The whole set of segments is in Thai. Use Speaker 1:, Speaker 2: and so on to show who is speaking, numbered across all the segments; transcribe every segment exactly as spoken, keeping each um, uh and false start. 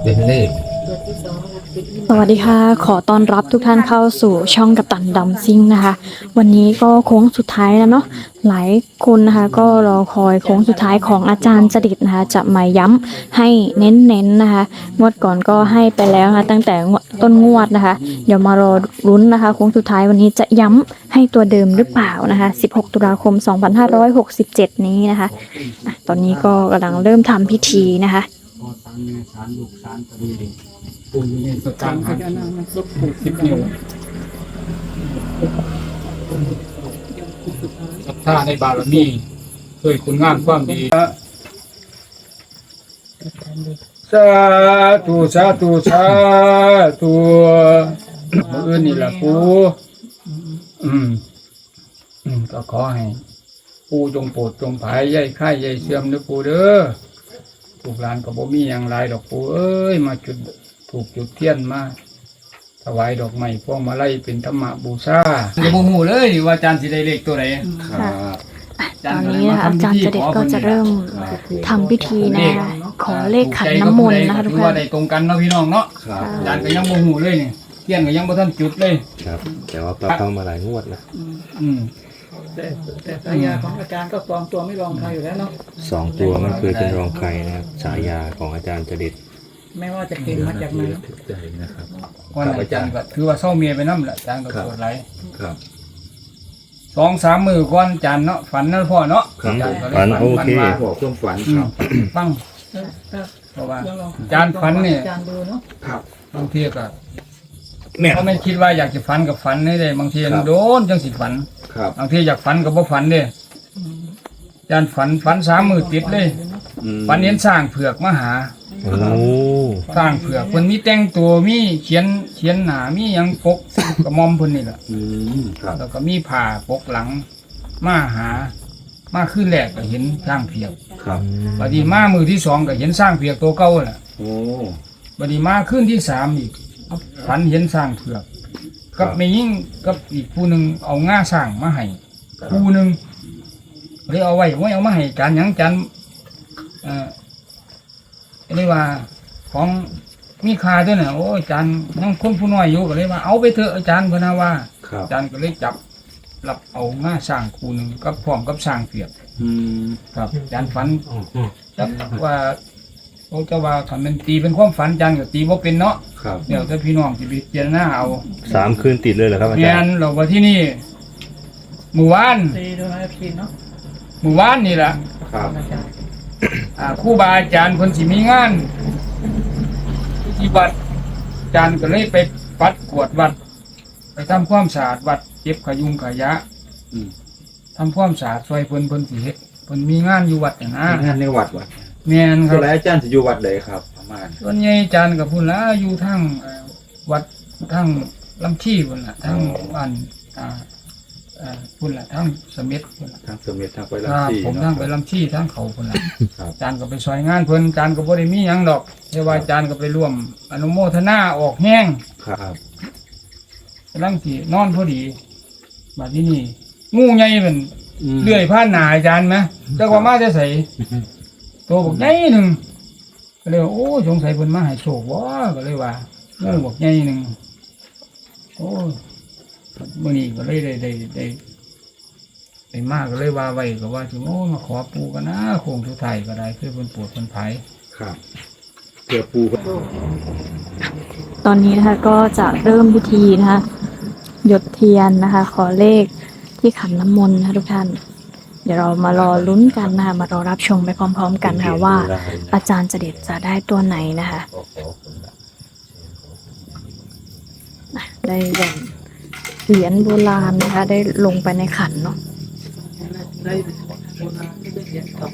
Speaker 1: เป็นเลข
Speaker 2: สวัสดีค่ะขอต้อนรับทุกท่านเข้าสู่ช่องกัปตันดัมซิ่งนะคะวันนี้ก็โค้งสุดท้ายแล้วเนาะหลายคนนะคะก็รอคอยโค้งสุดท้ายของอาจารย์จดิตนะคะจะมาย้ำให้เน้นๆนะคะงวดก่อนก็ให้ไปแล้วนะคะตั้งแต่ต้นงวดนะคะเดี๋ยวมารอลุ้นนะคะโค้งสุดท้ายวันนี้จะย้ำให้ตัวเดิมหรือเปล่านะคะสิบหกตุลาคมสองพันห้าร้อยหกสิบเจ็ดนี้นะคะอ่ะตอนนี้ก็กำลังเริ่มทำพิธีนะคะ
Speaker 3: พอตังในสารลูกสารตะลีปูอยู่ในสถานพญานาคมันสุดปูสิบนิ้วศรัทธาในบารมีเคยคุณงามความดีสาธุสาธุสาธุมืออื่นนี่แหละปูอืมอืมก็ขอให้ปูจงโปรดจงผายใยไข่ใยเสื่อมเด้อปูเด้อลูกหลานก็บ่มีอย่างไรดอกปูเอ้ยมาจุดถูกจุดเทียนมาถวายดอกไม้พวงมาลัยเป็นธรรมบูชาจะบ่ฮู้เลยว่าอาจารย์สิได้เลขตัวไหน
Speaker 2: ครับตอนนี้นะคะอาจารย์เจเด็ดก็จะเริ่มทำพิธีนะคะขอเลขขันน้ำมนต์นะคะทุกท่าน
Speaker 3: ว่าได้ตรงกันเนาะพี่น้องเนาะอาจารย์ก็ยังบ่ฮู้เลยนี่เทียนก็ยังบ่ทันจุดเลย
Speaker 1: ครับแต่ว่าก็เข้ามาหลายงวดนะ
Speaker 3: อืม
Speaker 4: แต่แต่ฉายาของอาจารย์ก็ปลอมตัวไม่รองใครอยู่แล้วเนาะ
Speaker 1: สองตัวไม่เคยเป็นรองใครนะครับฉายาของอาจารย์จดิต
Speaker 4: ไม่ว่าจะเก่งมาจากไหน
Speaker 3: ก่อนอาจารย์ก็ถือว่าเศร้าเมียไปน้ำแหละอาจารย์ก็ปวดไหล
Speaker 1: ครับ
Speaker 3: สองสามมือก่อนอาจารย์เนาะฝันนั่นพ่อเนาะ
Speaker 1: ฝันโอเค
Speaker 3: บอกเครื่องฝันฟังเพราะว่าอาจารย์ฝันเนี่ย
Speaker 4: อาจารย์ดูเนาะ
Speaker 3: บางทีก็เขาไม่คิดว่าอยากจะฝันกับฝันนี่เลยบางทีโดนจังสิฝันบางทีอยากฝันกับบ่ฝันเด้อาจารย์ฝันฝันสามมือติดเลยฝันเห็นสร้างเผือกมาหาสร้างเผือกคนมีแต่งตัวมีเขียนเขียนหนามียังปกกระมอมเพิ่นนี่แหละแล้วก็มีผ้าปกหลังมาหามาขึ้นแรกก็เห็นสร้างเผือกบัดนี้มามือที่สองก็เห็นสร้างเผือกตัวเก่าแหละบัดนี้มาขึ้นที่สามอีกฝันเห็นสร้างเผือกกับไม่ยิ่งกับอีกผู้หนึ่งเอาง่าสร้างมาให้ผู้หนึ่งเลยเอาไว้ไว้เอามาให้จานยังจานเอ่อเรียกว่าของมีค่าด้วยนะโอ้อาจารย์นั่งคนผู้น้อยอยู่ก็เลยว่าเอาไปเถอะอาจารย์พนาว่าอาจารย์ก็เลยจับรับเอาง่าสร้างคู่หนึ่งกับพร้อมกับสร้างเผือกครับอาจารย์ฝันจับว่าเขาจะว่าทำเป็นตีเป็นความฝันจังกับตีว่าเป็นเนาะเดี๋ยวถ้าพี่น้องจะไปเจรหน้าเอา
Speaker 1: สามคืนติดเลยเหรอครับอาจารย์
Speaker 3: เราว่าที่นี่หมู่บ้าน
Speaker 4: ตีดูนะพี่เนาะ
Speaker 3: หมู่บ้านนี่แหละครูบาอาจารย์คนสิมีงานที่วัดอาจารย์ก็เลยไปปัดกวดวัดไปทำความสะอาดวัดเก็บขยุงขยะทำความสะอาดซอยเพิ่นเพิ่นสิเฮ็ดเพิ่นมีงานอยู่วัดอย่างนั้น
Speaker 5: งานในวัดวะ
Speaker 3: แม่นครับ
Speaker 5: แล้วอาจารย์จะอยู่วัดใดครับประมาณ
Speaker 3: ส่วนใหญ่อาจารย์กับพุ่นละอยู่ทั้งวัดทั้งลำชีพุ่นละทั้งบ้านอ่าอ่าพุ่นละทั้งสมิทพุ่นละ
Speaker 5: ทั้งสมิททั้งไปลำชี
Speaker 3: ผมทั้งไปลำชีทั้งเขาพุ่นละอาจารย์ก็ไปซอยงานเพิ่นอาจารย์ก็บ่ได้มีหยังดอกแต่ว่าอาจารย์ก็ไปร่วมอนุโมทนาออกแห้ง
Speaker 5: ครับ
Speaker 3: กำลังสินอนพอดีบัดนี้นี่งูใหญ่เป็นเลื่อยผ่านหน้าอาจารย์ไหมจักว่ามาจะใส่ตัวบอกใหญ่หนึ่งก็เลยโอ้สงสัยเพิ่นมาให้โชคบ่ก็เลยว่างูบอกใหญ่หนึ่งโอ้มื้อนี้ก็เลยได้ได้ได้ได้มากก็เลยว่าไว้ก็ว่าสิโอ้มาขอปูกันนะโค้งสุดท้ายก็ได้เพื่อเพิ่นปวดเพิ่นไผ
Speaker 5: ครับเพื่อปู
Speaker 2: ตอนนี้นะคะก็จะเริ่มพิธีนะคะหยดเทียนนะคะขอเลขที่ขันน้ำมนต์นะคะทุกท่านเดี๋ยวเรามารอลุ้นกันนะคะมารอรับชมไปพร้อมๆกันค่ะว่าอาจารย์เจเด็ดจะได้ตัวไหนนะคะได้แบ่งเหรียญโบราณนะคะได้ลงไปในขันเนาะ
Speaker 4: ได้โบราณได้เหรียญทอง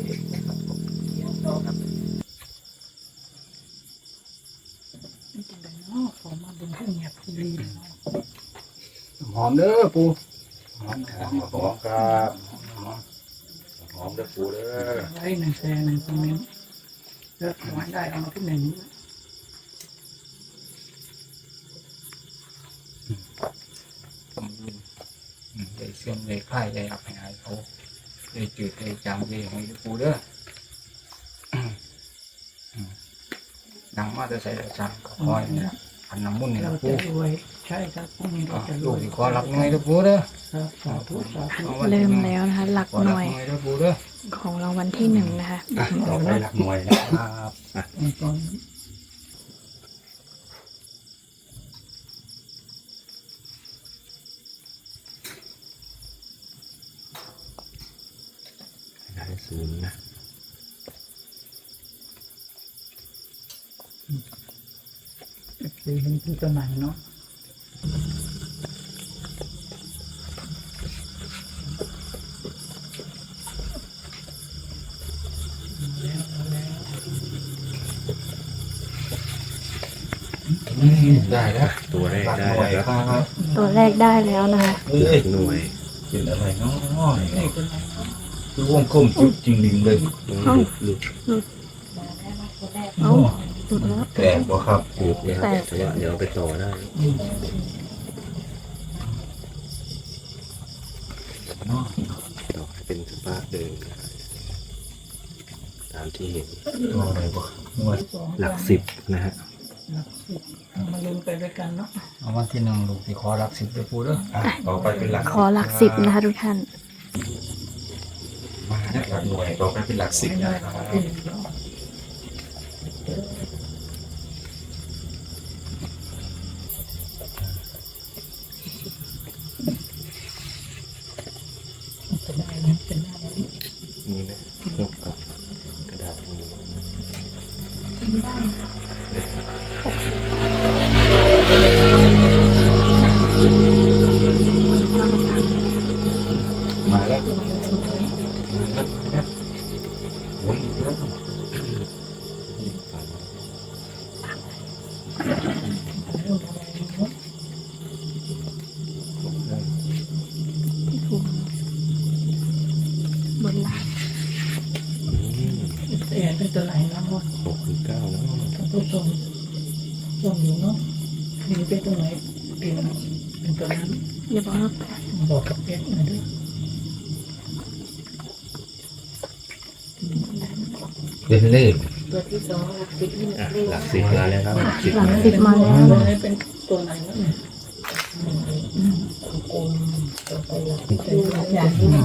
Speaker 3: หอมเด้อปู
Speaker 5: หอมหอมหอมครับหอมเด้อปูเด้อ
Speaker 4: ไว้หนึ่งแสนหนึ่งคอมเมนต์เลือกไว้ได้เอามาที่หนึ่ง
Speaker 3: ได้เสื่อมได้ค่ายได้อับหายเขาได้จืดได้จางได้หอยปูเด้อดังมาจะใส่จะสั่งคอยนี่ละพันน้ำมุ่นนี่
Speaker 4: เรา
Speaker 3: ละ
Speaker 4: จะ
Speaker 3: ปู
Speaker 4: รวยใช่ครับพรุ่งนี้เราจะร
Speaker 3: ลู
Speaker 4: ว
Speaker 3: ก
Speaker 4: ย
Speaker 3: ที่ขอรับหน่วยด้วยปูเด้อ
Speaker 4: ครับสาธุสาธุ
Speaker 2: เริ่มแล้วนะคะ หลัก
Speaker 3: ขอ
Speaker 2: ห
Speaker 3: รับ
Speaker 2: น่วย
Speaker 3: หน่วยด้วยปูเด้อ
Speaker 2: ของรางวัลที่หนึ่งนะคะ
Speaker 5: อ่ะต่อไปหลักหน่วยนะครับ
Speaker 4: ตอน
Speaker 1: ได้ศูนย์นะ
Speaker 4: คือเห็นที่ตัวไหนเนาะ
Speaker 5: ได้แล้ว
Speaker 1: ตัวแรก
Speaker 5: หลัก
Speaker 1: ได้
Speaker 5: หน่วย
Speaker 1: แล้ว
Speaker 5: ค
Speaker 1: ครับ
Speaker 5: รับ
Speaker 2: ตัวแรกได้แล้วนะคะ
Speaker 5: เอ้
Speaker 1: หลั
Speaker 5: ย
Speaker 1: กหน่วย
Speaker 5: เป็นอะไรเนาะคือวงกลมจุดจริงดิงเลย
Speaker 1: หลุดหลุด
Speaker 2: เอ้าหลุดแล้ว
Speaker 5: แต่บ่ครับ
Speaker 1: หลุดนะครับแต่ว่าเดี๋ยวเอาไปต่อได้
Speaker 5: เนาะ
Speaker 1: ต่อให้เป็นสภาพเดิมนะครับตามที่เห็น
Speaker 5: ตัวอะไรบ่หน่วย
Speaker 1: หลักสิบนะฮะ
Speaker 4: มาลุ้นไปด้วยกันเนาะ
Speaker 3: เอาวันที่หนึ่งลูกที่ขอรับสิบด้วยปูเด้อ
Speaker 5: อ่ะต่อไปเป็นหลัก
Speaker 2: ขอหลักสิบนะคะทุกท่าน
Speaker 5: มาแล้วหลักหน่วยต่อไปเป็นหลักสิบนะครับ
Speaker 1: นี่นะยกกับกระดาษนี้
Speaker 5: มาแล้วโอ้ยเยอะ
Speaker 2: บนหลัก
Speaker 4: แต่เป็นตัวไหนเนาะ
Speaker 1: หกคือเก้าแล้ว
Speaker 4: ตัวตรงตรงอยู่เนาะนี่เป็นตัวไหนเป็นเป็นตัวนั้น
Speaker 2: อย่าบอกนะ
Speaker 4: บอกกับเพชรหน่อยด้วย
Speaker 5: เป็นเลข
Speaker 4: ตัวที่สองหลักสิบนี่
Speaker 1: อ่ะหลักสิบมาแล้วครับหลักสิบ
Speaker 2: หลัก
Speaker 1: มา
Speaker 2: สิบมาแล้ว
Speaker 4: ตัว
Speaker 2: นะ
Speaker 4: นี้เป็นตัวไหนเนาะเนี่ยกลมต่อไปหลักเป็นหลักใหญ่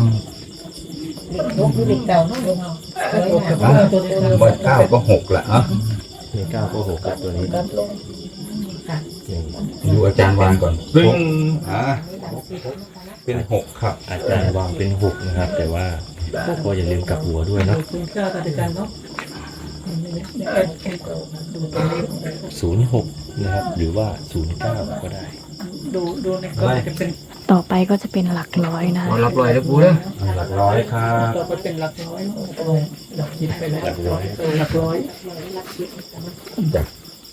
Speaker 4: นกคือเด็กเก่าเนาะเนาะตัวนี้
Speaker 5: บ่เก้าก็หกละอ่ะ
Speaker 1: มีเก้าก็หกกับตัวนี้
Speaker 4: ลดลง
Speaker 1: หนึ่ง
Speaker 5: ดูอาจารย์วางก่อนปึ้งอ่ะเป็นหกครับ
Speaker 1: อาจารย์วางเป็นหกนะครับ แต่ว่าก็อย่าลืมกลับหัวด้วยเนาะ
Speaker 4: คุณเจ้าตัดกันเนาะเอ็ดเอ็ดดูตัวเลข
Speaker 1: ศูนย์หกนะครับ หรือว่าศูนย์เก้าก็ได้
Speaker 4: ดูดูในกล้องจะเป็น
Speaker 2: ต่อไปก็จะเป็นหลักร้อยนะ
Speaker 3: ขอ
Speaker 2: คะ
Speaker 3: รับร้อยด้วยปูเด้อ
Speaker 5: หลักร้อยครับ
Speaker 4: ต่อไปเป็นหลักร้อยหลักสิบไปแล้วหลักร้อยหลักร้อย
Speaker 5: จ้ะ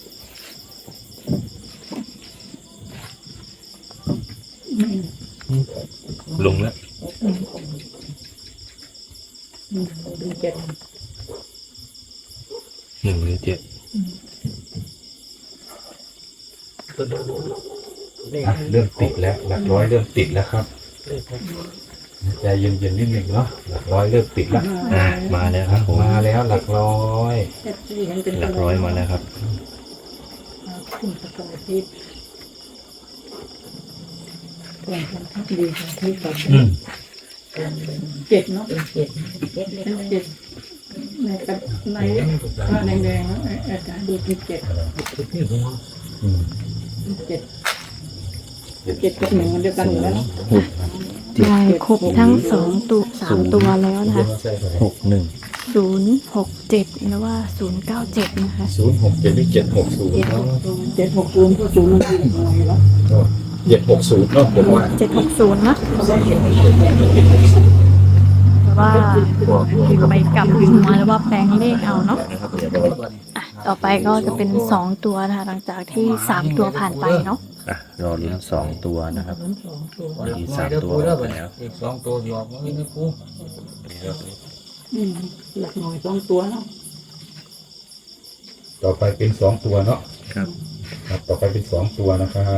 Speaker 1: ลงแล้ว
Speaker 4: ดูเจ็ด
Speaker 1: หนึ่งหรือเจ็ด
Speaker 5: อ่ะเริ่มติดแล้ว หลักร้อยเริ่มติดแล้วครับใจเย็นๆนิดหนึ่งเนาะหลักร้อยเริ่มติดแล้ว
Speaker 1: อ่ะมาแล้วครับผม
Speaker 5: มาแล้วหลักร้อย
Speaker 4: เจ็ดที่เห็นเป็น
Speaker 1: หลักร้อยมาแล้วครับ
Speaker 4: คุณสกอร์ที่ตัวที่ดีที่ต่อ
Speaker 5: อืม
Speaker 4: เจ็ดเนาะเจ็ดเจ็ดเป็นเจ็ดในกับในผ้าแดงๆแล้วอาจารย์ดูที่เจ็ด
Speaker 5: อืม
Speaker 4: เจ็ดเจ็ดกับหนึ่งมันเดียวกันอยู่แล้ว
Speaker 2: ได้ครบทั้งสองตัวสามตัวแล้วนะคะ
Speaker 1: หกหนึ่ง
Speaker 2: ศูนย์หกเจ็ดหรือว่าศูนย์เก้าเจ็ดนะคะ
Speaker 5: ศูนย์หกเจ็ดหรือเจ็ดหกศูนย์
Speaker 4: เจ็ดห
Speaker 5: เนาะ
Speaker 4: กศูนย์เจ็ดหกศูนย์ผู้ศูนย์มันอยู่ตรงไหนวะ
Speaker 5: เจ็ดหกศูนย์เนาะผมว่า
Speaker 2: เจ็ดหกศูนย์นะแต่ว่าไปกลับหัวหรือว่าแปลงเลขเอาเนาะอ่ะต่อไปก็จะเป็นสองตัวนะคะหลังจากที่สามตัวผ่านไปเนาะ
Speaker 1: อ่ะรอลุ้นสองตัวนะครับ
Speaker 4: สองตัว
Speaker 3: ขอรับหน่วยด้วยปูเด้อไปแล้วอีกสองตัวหยอกมันนี่ปู
Speaker 4: อืมหลักหน่วยสองตัวเนาะ
Speaker 5: ต่อไปเป็นสองตัวเนาะ
Speaker 1: ครับ
Speaker 5: ครับ ต่อไปเป็นสองตัวนะครับ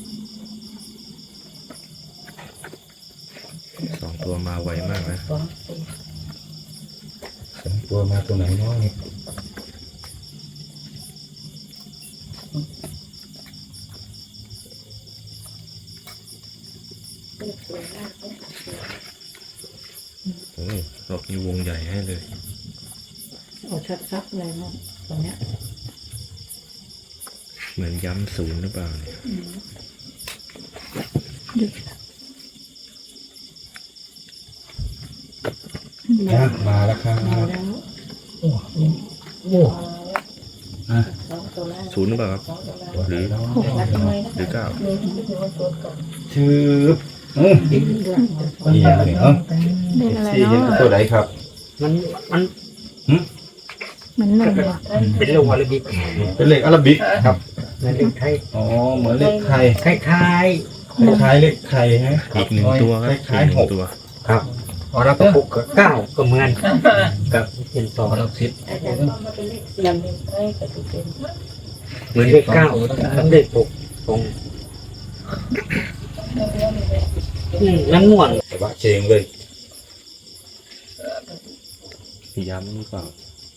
Speaker 1: สองตัวมาไวมากนะ
Speaker 4: สองตัว
Speaker 5: สองตัวมาตัวไหนเนาะนี่
Speaker 1: มีวงใหญ่ให้เลย
Speaker 4: เอาชัดๆเลยเนาะตรงเนี้ย
Speaker 1: เหมือนย้ำศูนย์หรือเปล่าเนี่ย
Speaker 5: นะมาแล้วครับ
Speaker 4: มาแล้ว
Speaker 5: โอ้โหอ่ะ
Speaker 4: สองตัวแรก
Speaker 1: ศูนย์หรือเปล่าครับหรือ
Speaker 4: รักน้อยนะ
Speaker 1: หรือเก้า
Speaker 5: ชื่ออืมนี่อะไรเนาะ
Speaker 2: เป็นอะไร
Speaker 5: ที่เห็น
Speaker 2: เนาะ
Speaker 5: ตัวไหนครับ
Speaker 6: มันมัน
Speaker 2: เหมือนหนึ่งเหรอ
Speaker 6: เป็นเรื่องวาระบิก
Speaker 5: เป็นเลขอาราบิกครับ
Speaker 6: ในเรื่องไทย
Speaker 5: อ๋อเหมือนเลขไทย
Speaker 6: คล้าย
Speaker 5: คล้ายๆเลขไทยฮะ
Speaker 1: อีกหนึ่งตัวครับ
Speaker 5: คล้าย
Speaker 1: อีกห
Speaker 5: ๆห
Speaker 1: นึ่
Speaker 5: ก
Speaker 1: งตัว
Speaker 6: ๆครับพอเราก็ปลุกก็เก้าก็เหมือนกับเป็นต่อ
Speaker 3: เราคิด
Speaker 4: ยังไม่กับตัวเป็น
Speaker 6: เหมือนเลขเก้ากับเลขหกตรงอืมนั่นม่วน
Speaker 5: แต่ว่าเชงเลย
Speaker 1: ย้ำหรือเปล่า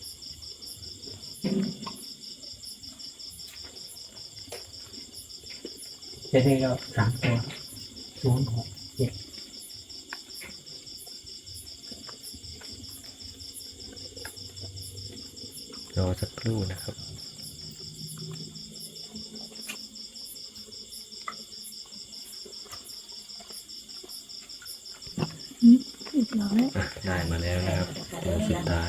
Speaker 6: จะได้ก็สามตัวศูนย์หกเจ็ด
Speaker 1: รอสักครู่นะครับ
Speaker 2: อีกร้อย
Speaker 1: อ่ะได้มาแล้วนะครับตัวสุดท้าย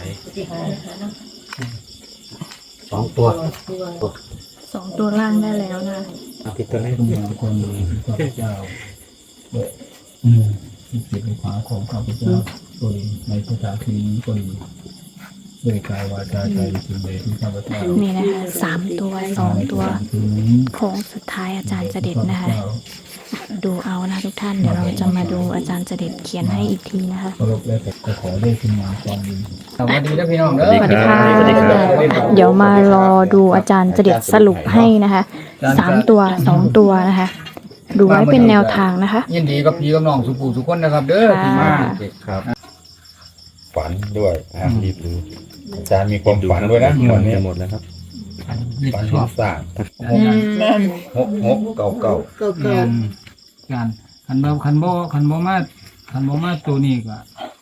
Speaker 6: สองตัว
Speaker 2: สองตัวล่างได้แล้วนะ
Speaker 6: เอาผิดตัวไหน
Speaker 3: ทุกอย่างคนพระเจ้าอืมที่เกิดในขวาของข้าพเจ้าตัวในสถานที่นี้ก็ดีด้วยกายวาจาใจสิ่งใดที่ข้าพเจ้า
Speaker 2: นี่นะคะสามตัวสองตัว
Speaker 3: ที่นี้
Speaker 2: โค้งสุดท้ายอาจารย์เจเด็ดนะคะ ดูเอานะทุกท่านเดี๋ยวเราจะมาดูอาจารย์เจเด็ดเขียนให้อีกทีนะคะ
Speaker 3: เคารพและก็ขอได้คุณงามความดีสวัสดีนะพี่น้องเด้อ
Speaker 2: สวัสดีค่ะเดี๋ยวมารอดูอาจารย์เจเด็ดสรุปให้นะคะสามตัวสองตัวนะคะ ดูไว้เป็นแนวทางนะคะ
Speaker 3: ยินดีกับพี่กับน้องสุภูสุคนนะครับ เด้อที่มา
Speaker 5: ครับ ฝันด้วยอ่ะรีบดูอาจารย์มีความฝันด้วยนะ
Speaker 1: หม
Speaker 5: วั
Speaker 1: ด
Speaker 5: นนี้
Speaker 1: จะหมดแล้วครับ
Speaker 5: ฝัน
Speaker 3: ช
Speaker 5: เห็
Speaker 3: อน บ
Speaker 5: สร้าง
Speaker 4: แม่น
Speaker 5: หกหกเก่าเก่า
Speaker 4: ก็
Speaker 3: งา
Speaker 4: เกิด
Speaker 3: นงานคันบ่คันบ่คันบ่มาคันบ่มาตัวนี้ก็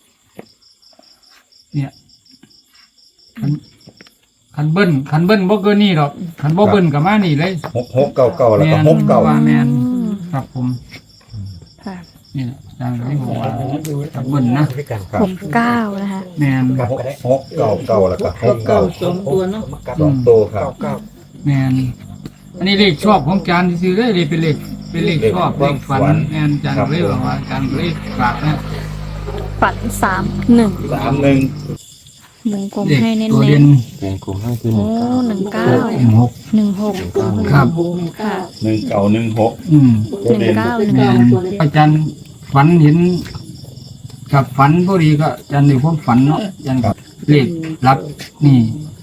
Speaker 3: เนี่ยคันคันเบิ้ลคันเบิ้ลบ่เกินนี่หรอกคันบ่เบิ้ลก็มานี่เลย
Speaker 5: หกหกเก่าเก่าแล้วก็หกเก่า
Speaker 3: ว่าแมน
Speaker 2: อืม
Speaker 3: ครับผม
Speaker 2: ค่ะ
Speaker 3: นี่แหละอาจารย์ที่บอกว่าคันเบิ้ลนะ
Speaker 6: ด้วยกัน
Speaker 5: ครับ
Speaker 2: หกเก้านะคะ
Speaker 3: แมน
Speaker 5: หกหกเก่าเก่าแล้วก็ห
Speaker 4: ก็
Speaker 5: ก
Speaker 4: เก่า
Speaker 5: เก่า
Speaker 4: สองตัวเนาะ
Speaker 5: สองตัวครับ
Speaker 6: เก้าเก้า
Speaker 3: แมนอันนี้เลขชอบของอาจารย์ซื่อๆเลยเลยเป็นเลขเป็นเลขชอบเลขฝันแมนอาจารย์ก็เลยบอกว่าอาจารย์ก็เลยฝากนะ
Speaker 2: ฝันสามหนึ่ง
Speaker 5: สามหนึ่ง
Speaker 2: วงกลม
Speaker 3: เลข
Speaker 2: ให้เน้น
Speaker 3: ตัว
Speaker 2: ๆ
Speaker 3: เด่น
Speaker 1: วงกลมให้คือห
Speaker 2: โอ้
Speaker 1: นึ่งเก้า
Speaker 2: หนึ่งเก้า
Speaker 3: หก
Speaker 2: หนึ่งหก
Speaker 3: ครับ
Speaker 2: ค่ะ
Speaker 5: หนึ่งเก่าหนึ่งหก
Speaker 3: อืม
Speaker 5: ตัว
Speaker 2: หนึ่
Speaker 5: เด่
Speaker 2: ง
Speaker 5: น
Speaker 2: เก้าหนึ่ง
Speaker 3: แม
Speaker 2: ห
Speaker 3: น
Speaker 2: ก
Speaker 3: อาจารย์ฝันเห็นกับฝันพอดีก็อาจารย์ในความฝันเนาะอาจารย์ก็เลขรับนี่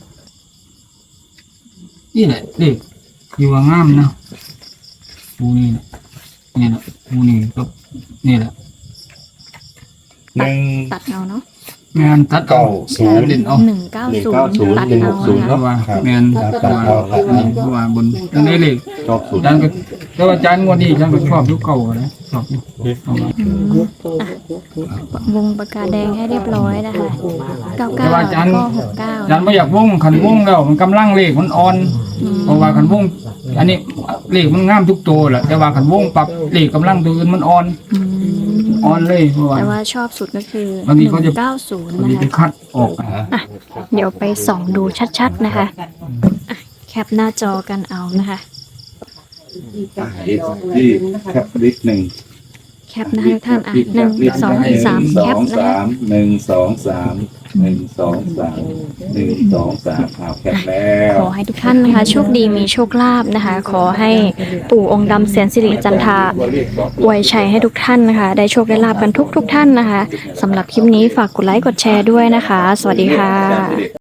Speaker 3: นี่แหละเลขอยู่ว่างามนะปูนี่นะนี่แหละปูนี่ก็นี่แหละ
Speaker 5: หนึ่ง
Speaker 2: ตัดเอาเนาะ
Speaker 3: แมนตัดเอา
Speaker 5: เก้าศูนย์
Speaker 3: เด่นเอา
Speaker 2: หนึ่งเก้าศูนย์ตัดเอา
Speaker 5: ศูนย์
Speaker 2: นะ
Speaker 5: เนาะ
Speaker 2: คะ
Speaker 3: ว่า
Speaker 5: ครับ
Speaker 3: แมนเพราะว่านี่เพราะว่าบนตรงนี้เลข
Speaker 5: ชอบศูน
Speaker 3: อา
Speaker 5: ย์
Speaker 3: จารย์ก็แต่ว่าอาจารย์งวดนี้อาจารย์ก็ชอบยุคเก่านะชอบอยู่เอามา
Speaker 2: อืมอ่ะวงปากกาแดงให้เรียบร้อยนะคะเก้า
Speaker 3: แต่
Speaker 2: เก้า
Speaker 3: ว่าอาจารย์
Speaker 2: ก็หกเก้า
Speaker 3: อาจารย์ไม่อยากวงขันวงแล้วมันกำลังเลขมันอ่อน เพราะว่าขันวงอันนี้เลขมันงามทุกตัวแหละแต่ว่าขันวงปรับเลขกำลังตัวอื่นมันอ่อน
Speaker 2: อืม
Speaker 3: อ่อนเลยเพราะว่า
Speaker 2: แต่ว่าชอบสุดก็คือบ
Speaker 3: างที
Speaker 2: ห
Speaker 3: เขา
Speaker 2: นึ่
Speaker 3: จะ
Speaker 2: งเก้าศูนย์
Speaker 3: บาง
Speaker 2: นะ
Speaker 3: ทีไป
Speaker 2: คะ
Speaker 3: คัดออกอ่ะ
Speaker 2: อ่ะเดี๋ยวไปส่องดูชัดๆนะคะอ่ะแคปหน้าจอกันเอานะคะ
Speaker 5: ที่ที่แคปลิสหนึ่ง
Speaker 2: แคปนะคะทุกท่านอ่ะหนึ่งสองสาม
Speaker 5: ส
Speaker 2: แค
Speaker 5: อ
Speaker 2: ป
Speaker 5: ง
Speaker 2: นะ
Speaker 5: สา
Speaker 2: คะ
Speaker 5: มหนึ่งสองสามหนึ่งสองสามหนึ่งสองสามเอาแคปแล้ว
Speaker 2: ขอให้ทุกท่านนะคะโชคดีมีโชคลาภนะคะ ขอให้ปู่องค์ดำเสียนสิริจันทราอวยชัยให้ทุกท่านนะคะ ได้โชคได้ลาภกันทุกทุกๆท่านนะคะสำหรับคลิปนี้ฝากกดไลค์กดแชร์ด้วยนะคะ สวัสดีค่ะ